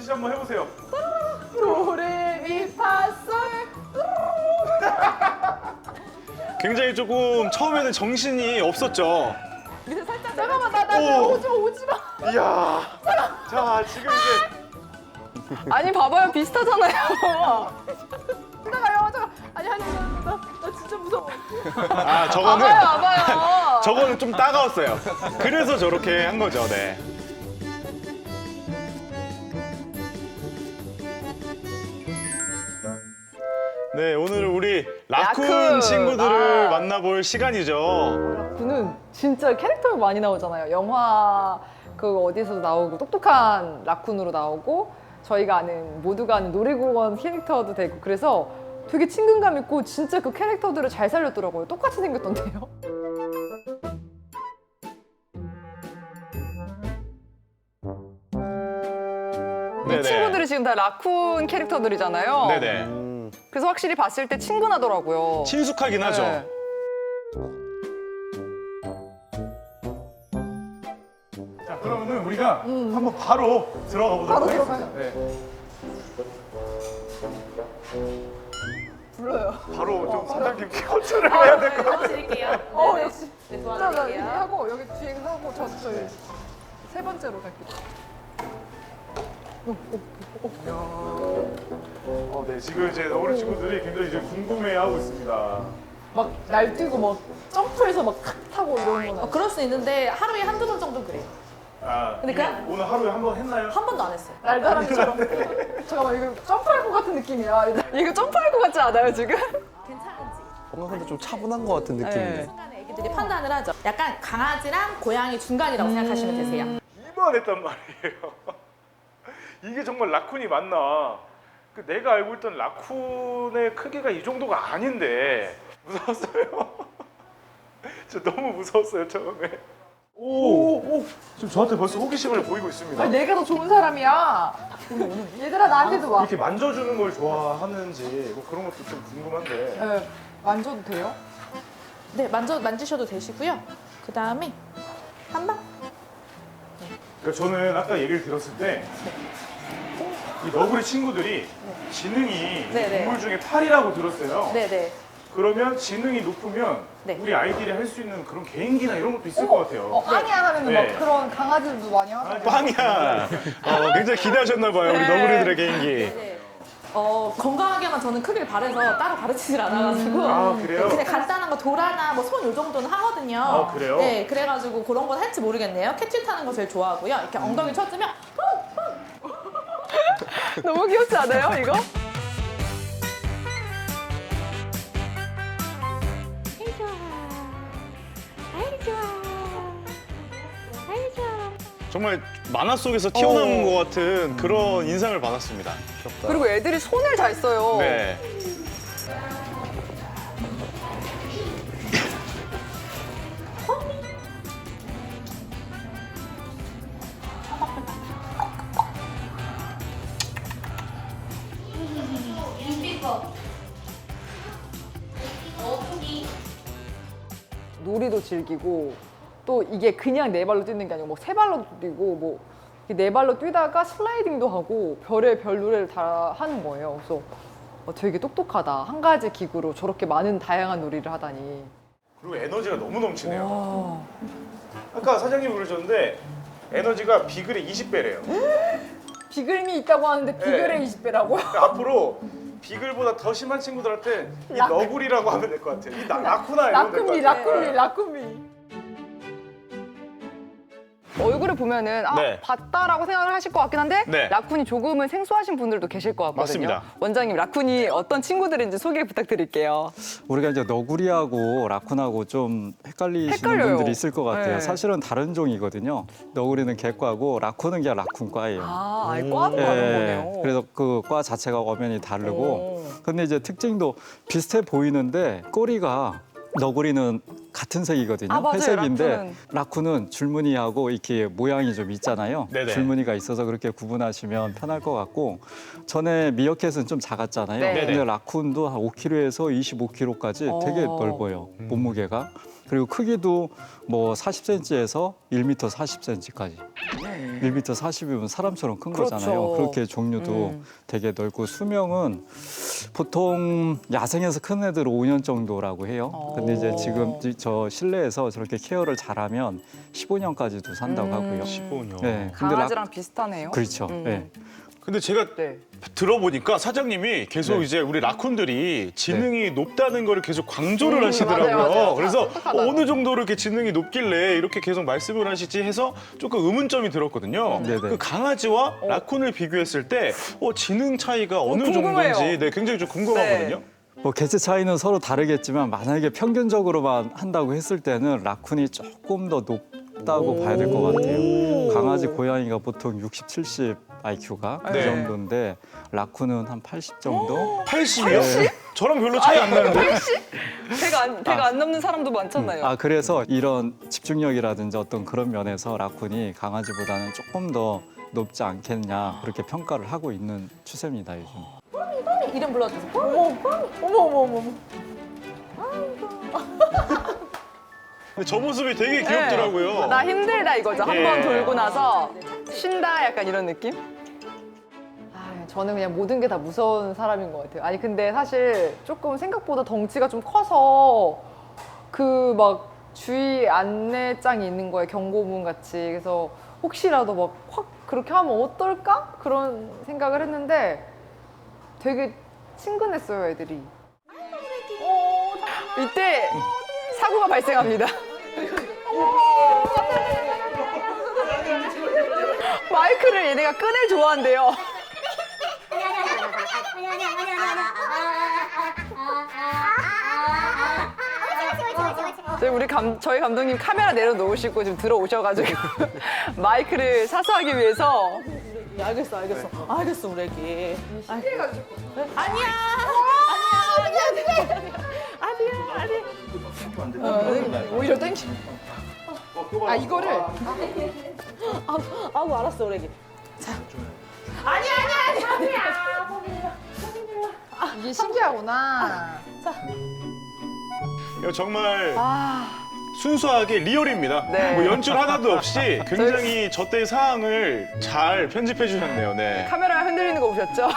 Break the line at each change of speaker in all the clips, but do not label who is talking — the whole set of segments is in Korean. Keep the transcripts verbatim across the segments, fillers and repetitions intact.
씨 한번 해보세요.
도레미파솔.
굉장히 조금 처음에는 정신이 없었죠.
밑에 살짝 잠깐만 나나
오.
오지 마 오지 마.
이야. 자, 지금 이제
아니 봐봐요 비슷하잖아요. 나가요 잠깐. 아니 아니 나, 나, 나 진짜 무서워.
아, 저거는
와봐요 와봐요.
저거는 좀 따가웠어요. 그래서 저렇게 한 거죠. 네. 네, 오늘 우리 라쿤
라쿤.
친구들을
아.
만나볼 시간이죠.
그는 진짜 캐릭터가 많이 나오잖아요. 영화 그 어디서 나오고 똑똑한 라쿤으로 나오고 저희가 아는 모두가 아는 놀이공원 캐릭터도 되고 그래서 되게 친근감 있고 진짜 그 캐릭터들을 잘 살렸더라고요. 똑같이 생겼던데요. 이
네네.
친구들이 지금 다 라쿤 캐릭터들이잖아요.
네네.
그래서 확실히 봤을 때 친근하더라고요.
친숙하긴 하죠.
네.
자, 그러면은 우리가 한번 바로 들어가 보도록
바로
하겠습니다.
들어가요.
네.
불러요.
바로 좀 사장님께 호출을 해야 될 것 같아요.
드릴게요.
어 역시.
네,
자, 자,
도와드릴게요.
이렇게 하고 여기 뒤에 하고 저 저희 세 번째로 갈게요.
어, 네, 지금 이제 너구리 친구들이 굉장히 이제 궁금해하고 있습니다.
막 날뛰고 막 점프해서 막 탁 타고 이러는 거는
어, 그럴 수 있는데 하루에 한두 번 정도 그래요.
아,
근데
이미
그냥-
오늘 하루에 한 번 했나요?
한 번도 안 했어요.
날다람쥐처럼. 잠깐만 이거 점프할 것 같은 느낌이야. 이거 점프할 것 같지 않아요 지금?
괜찮은지.
뭔가 근데 좀 차분한 것 같은 느낌인데.
네.
순간에 애기들이 판단을 하죠. 약간 강아지랑 고양이 중간이라고 생각하시면 되세요.
이만했단 말이에요. 이게 정말 라쿤이 맞나? 그 내가 알고 있던 라쿤의 크기가 이 정도가 아닌데 무서웠어요. 저 너무 무서웠어요 처음에. 오, 오, 지금 저한테 벌써 호기심을 보이고 있습니다.
아니 내가 더 좋은 사람이야. 얘들아 나한테도 와.
이렇게 만져주는 걸 좋아하는지 뭐 그런 것도 좀 궁금한데.
네, 만져도 돼요?
네, 만져 만지셔도 되시고요. 그 다음에 한 방.
그러니까 저는 아까 얘기를 들었을 때 이 너구리 친구들이 지능이
네네.
동물 중에 팔이라고 들었어요.
네네.
그러면 지능이 높으면
네.
우리 아이들이 할 수 있는 그런 개인기나 이런 것도 있을 것 같아요.
어, 빵이야 하면
네.
막 그런 강아지들도 많이 하잖아요.
빵이야. 어, 굉장히 기대하셨나 봐요. 우리
네.
너구리들의 개인기.
네. 어, 건강하게만 저는 크기를 바래서 따로 가르치질 않아가지고
아, 그래요?
그냥 간단한 거 도라나 뭐 손 요 정도는 하거든요.
아, 그래요?
네, 그래가지고 그런 건 할지 모르겠네요. 캐치 타는 거 제일 좋아하고요. 이렇게 엉덩이 쳐주면
너무 귀엽지 않아요 이거?
아이 좋아. 아이 좋아. 아이 좋아.
정말 만화 속에서 튀어나온 것 같은 그런 인상을 받았습니다.
그리고 애들이 손을 잘 써요.
네.
놀이도 즐기고 또 이게 그냥 네 발로 뛰는 게 아니고 뭐 세 발로 뛰고 뭐 이렇게 네 발로 뛰다가 슬라이딩도 하고 별의 별 노래를 다 하는 거예요. 그래서 어, 되게 똑똑하다. 한 가지 기구로 저렇게 많은 다양한 놀이를 하다니.
그리고 에너지가 너무 넘치네요.
와.
아까 사장님이 그러셨는데 에너지가 비글의 이십 배래요.
비글미 있다고 하는데 비글의
네.
이십 배라고요?
앞으로 비글보다 더 심한 친구들한테 이
라-
너구리라고 하면 될 것 같아요. 이 나, 라쿠나 이러면 될 것
라쿤미,
같아요.
라쿤미, 라쿤미. 얼굴을 보면은 아
네.
봤다라고 생각을 하실 것 같긴 한데
네.
라쿤이 조금은 생소하신 분들도 계실 것 같거든요.
맞습니다.
원장님 라쿤이 어떤 친구들인지 소개 부탁드릴게요.
우리가 이제 너구리하고 라쿤하고 좀 헷갈리시는
헷갈려요.
분들이 있을 것 같아요.
네.
사실은 다른 종이거든요. 너구리는 개과고 라쿤은 그냥 라쿤과예요.
아, 아예 과도 다른 거네요.
그래서 그 과 자체가 엄연히 다르고.
오.
근데 이제 특징도 비슷해 보이는데 꼬리가 너구리는 같은 색이거든요.
아, 맞아요.
회색인데
라쿤은.
라쿤은 줄무늬하고 이렇게 모양이 좀 있잖아요.
네네.
줄무늬가 있어서 그렇게 구분하시면 편할 것 같고 전에 미어캣은 좀 작았잖아요.
네.
근데 라쿤도 한 오 킬로그램에서 이십오 킬로그램까지 되게
어.
넓어요. 몸무게가. 그리고 크기도 뭐 사십 센티미터에서 일 미터 사십 센티미터까지. 일 미터 사십이면 사람처럼 큰
그렇죠.
거잖아요. 그렇게 종류도
음.
되게 넓고 수명은 보통 야생에서 큰 애들 오 년 정도라고 해요. 근데 이제 지금 이- 저 실내에서 저렇게 케어를 잘하면 십오 년까지도 산다고
음.
하고요.
십오 년.
네. 근데 라-
강아지랑 비슷하네요.
그렇죠.
음.
네.
근데 제가
네.
들어보니까 사장님이 계속
네.
이제 우리 라쿤들이 지능이 높다는 거를 계속 강조를
음,
하시더라고요.
맞아요, 맞아요.
그래서
똑똑하다고.
어느 정도로 이렇게 지능이 높길래 이렇게 계속 말씀을 하시지 해서 조금 의문점이 들었거든요.
네네.
그 강아지와 라쿤을 비교했을 때 어, 지능 차이가 어느
궁금해요.
정도인지 네, 굉장히 좀 궁금하거든요.
뭐 개체 차이는 서로 다르겠지만 만약에 평균적으로만 한다고 했을 때는 라쿤이 조금 더 높다고 봐야 될 것 같아요. 강아지, 고양이가 보통 육십, 칠십 아이큐가 그
네.
정도인데 라쿤은 한 팔십 정도?
팔십이요? 저랑 별로 차이 안 나는데?
배가 안, 배가 안 넘는 사람도 많잖아요.
아 그래서 이런 집중력이라든지 어떤 그런 면에서 라쿤이 강아지보다는 조금 더 높지 않겠냐 그렇게 평가를 하고 있는 추세입니다 요즘.
이름 불러주세요.
어머, 어머, 어머, 어머.
근데 저 모습이 되게 귀엽더라고요.
나 힘들다 이거죠. 한
예.
번 돌고 나서 쉰다 약간 이런 느낌? 아, 저는 그냥 모든 게 다 무서운 사람인 것 같아요. 아니 근데 사실 조금 생각보다 덩치가 좀 커서 그 막 주의 안내장이 있는 거예요. 경고문 같이. 그래서 혹시라도 막 확 그렇게 하면 어떨까? 그런 생각을 했는데 되게 친근했어요, 애들이. 어, 이때 사고가 발생합니다. 마이크를 얘네가 끈을 좋아한대요. 저희 우리 감, 저희 감독님 카메라 내려놓으시고 지금 들어오셔가지고 마이크를 사수하기 위해서.
알겠어, 알겠어. 알겠어, 우리 애기.
신기해가지고.
아니야. 아니야. 아니야. 아니야. 아니야.
오히려 땡기. 아 이거를
아, 아우 알았어, 우리 애기.
이게 신기하구나.
이거 정말
아
순수하게 리얼입니다.
네.
뭐 연출 하나도 없이 굉장히 저 때의 상황을 잘 편집해 주셨네요. 네.
카메라 흔들리는 거 보셨죠?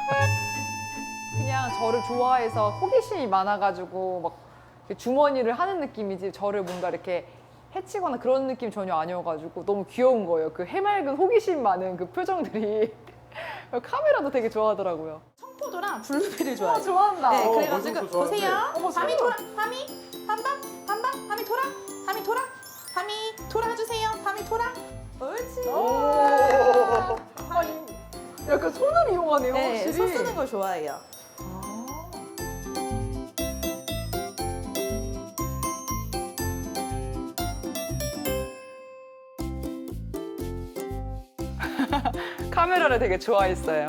그냥 저를 좋아해서 호기심이 많아가지고 막 이렇게 주머니를 하는 느낌이지 저를 뭔가 이렇게 해치거나 그런 느낌 전혀 아니어가지고 너무 귀여운 거예요. 그 해맑은 호기심 많은 그 표정들이 카메라도 되게 좋아하더라고요.
청포도랑 블루베리를 좋아해요.
좋아한다.
네,
어,
그래가지고
벌써부터 좋아하는데.
보세요.
어머,
밤이
세상에.
돌아, 밤이, 밤밤, 밤밤, 밤이 돌아, 밤이 돌아, 밤이 돌아주세요. 밤이 돌아. 옳지.
오. 아니, 약간 손을 이용하네요.
네,
확실히.
손 쓰는 걸 좋아해요.
카메라를 되게 좋아했어요.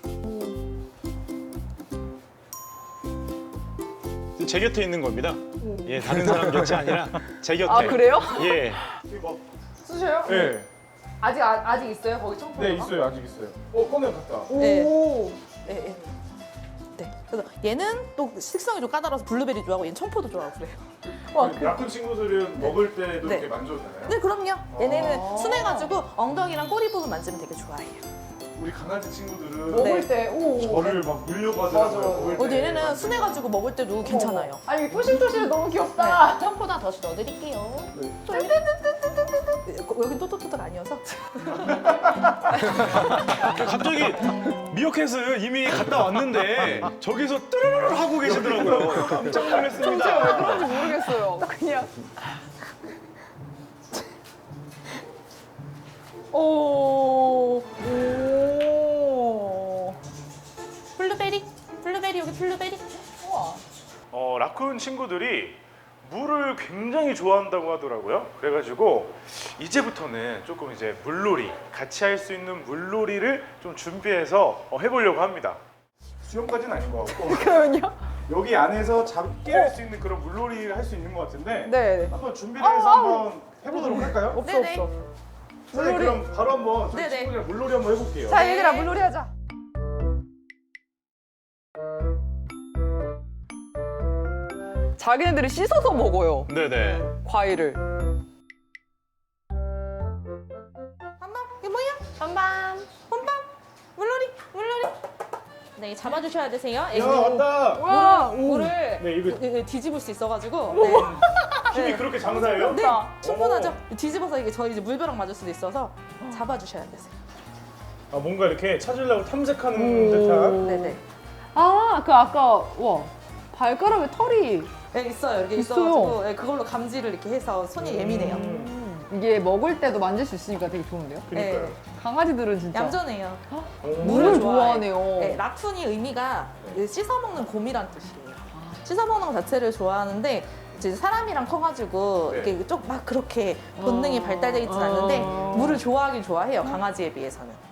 제 곁에 있는 겁니다. 예, 다른 사람 곁이 아니라 제 곁에.
아 그래요?
예.
쓰셔요?
네.
아직 아, 아직 있어요 거기 청포도가?
네 있어요 아직 있어요. 어 꺼내 갔다.
네.
오.
네, 네. 네. 그래서 얘는 또 식성이 좀 까다로워서 블루베리 좋아하고 얘는 청포도 좋아하고 그래요.
와,
그 라쿤 친구들은 먹을 때도
네.
이렇게 만져도 되나요?
네, 그럼요. 얘네는
아.
순해가지고 엉덩이랑 꼬리 부분 만지면 되게 좋아해요.
우리 강아지 친구들은
먹을
네.
때 오.
저를 막 물려고 하더라고요.
맞아.
먹을
어,
때.
얘네는 순해가지고 먹을 때도 괜찮아요.
아니 토실토실 너무 귀엽다.
청포도 하나 더 넣어드릴게요.
네.
여긴 또또또또 아니어서.
갑자기 미어캣은 이미 갔다 왔는데 저기서 뜨르르 하고 계시더라고요. 깜짝
제가 왜
놀랐습니다.
그런지 모르겠어요. 그냥. 오. 오.
블루베리, 블루베리 여기 블루베리.
우와.
어, 라쿤 친구들이 물을 굉장히 좋아한다고 하더라고요. 그래가지고 이제부터는 조금 이제 물놀이 같이 할 수 있는 물놀이를 좀 준비해서 어, 해보려고 합니다. 수영까지는 아닌 것 같고
그러면요?
여기 안에서 잡게 할 수 있는 그런 물놀이를 할 수 있는 것 같은데
네.
한번 준비를 해서 한번 해보도록 할까요?
없어
네네.
없어.
선생님
물놀이.
그럼 바로 한번 저희
네네.
친구들이랑 물놀이 한번 해볼게요.
자
네.
얘들아 물놀이 하자. 자기네들이 씻어서 먹어요.
네네.
과일을.
밤밤 이게 뭐야? 밤밤 밤밤 물놀이 물놀이. 네 잡아주셔야 되세요.
야 왔다.
와, 오.
물을
네 이거
네, 네, 뒤집을 수 있어가지고 네.
힘이
네.
그렇게 장사해요?
네, 충분하죠. 뒤집어서 이게 저희 이제 물벼락 맞을 수도 있어서 잡아주셔야 되세요.
아 뭔가 이렇게 찾으려고 탐색하는 듯한.
네네.
아, 그 아까 와 발가락에 털이
네, 있어요. 이렇게
있어요.
있어가지고 네, 그걸로 감지를 이렇게 해서 손이 예민해요.
이게 먹을 때도 만질 수 있으니까 되게 좋은데요?
그러니까요.
네,
강아지들은 진짜
얌전해요.
오.
물을
좋아해.
좋아하네요.
네, 라쿤이 의미가 씻어 먹는 곰이란 뜻이에요. 씻어 먹는 것 자체를 좋아하는데 이제 사람이랑 커가지고
네.
이렇게 좀 막 그렇게 본능이
아.
발달돼 있진 않는데
아.
물을 좋아하긴 좋아해요. 강아지에 비해서는.